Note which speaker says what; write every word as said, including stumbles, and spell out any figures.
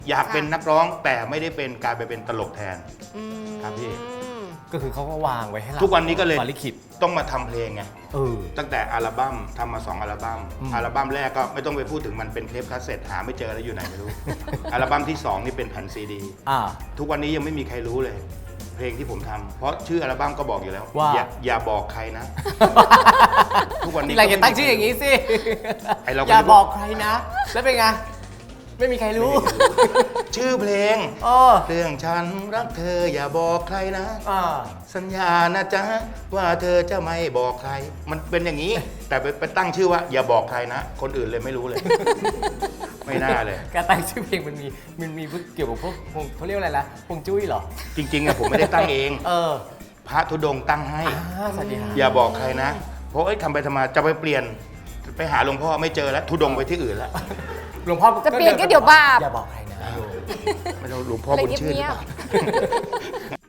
Speaker 1: อยากเป็นนักร้องแต่ไม่ได้เป็นกลายไปเป็นตลกแทนครับพี่
Speaker 2: ก็คือเขาก็วางไว้ให้เรา
Speaker 1: ทุกวันนี้ก็เลย
Speaker 2: ลิขิต
Speaker 1: ต้องมาทำเพลงไง
Speaker 2: เออ
Speaker 1: ตั้งแต่อัลบั้มทำมาสองอัลบั้มอัลบั้มแรกก็ไม่ต้องไปพูดถึงมันเป็นเทปคาสเซ็ตหาไม่เจอแล้วอยู่ไหนไม่รู้ อัลบั้มที่สองนี่เป็นแผ่นซีดี
Speaker 2: อ่า
Speaker 1: ทุกวันนี้ยังไม่มีใครรู้เลย เพลงที่ผมทำเพราะชื่ออัลบั้มก็บอกอยู่แล้ว
Speaker 2: ว่า
Speaker 1: อย่าอย่าบอกใครนะ ทุกวันนี้
Speaker 2: ที่ไรจะตั้งชื่ออย่างนี้สิ
Speaker 1: ไอ้เราก็
Speaker 2: อย่าบอกใครนะ แล้วเป็นไง ไม่มีใครรู้
Speaker 1: ชื่อเพลง
Speaker 2: เออ
Speaker 1: เรื่องฉันรักเธออย่าบอกใครนะ
Speaker 2: อ่า
Speaker 1: สัญญานะจ๊ะว่าเธอจะไม่บอกใคร มันเป็นอย่างนี้ แต่ไปไปตั้งชื่อว่าอย่าบอกใครนะ คนอื่นเลยไม่รู้เลย ไม่น่าเลย
Speaker 2: การตั้งชื่อเพลงมันมีมันมีเกี่ยวกับพวกพวกเขาเรียกว่าอะไรนะพวงจุ้ยเหรอ
Speaker 1: จริงๆอะผมไม่ได้ตั้งเอง
Speaker 2: เออ
Speaker 1: พระธุดงค์ตั้งให้
Speaker 2: อ่าสวัสดีครับ
Speaker 1: อย่าบอกใครนะ เพราะเอ้ยทำไปทำมาจะไปเปลี่ยน ไปหาหลวงพ่อไม่เจอแล้วธุดงค์ไปที่อื่นแล้ว
Speaker 2: หลวงพ่อ
Speaker 3: จะเปลี่ยนก็เดี๋ยวบาป
Speaker 2: อย่าบอกใครนะ
Speaker 1: ไม่ต้องหลวงพ่อบุญชื่นหรือเปล่า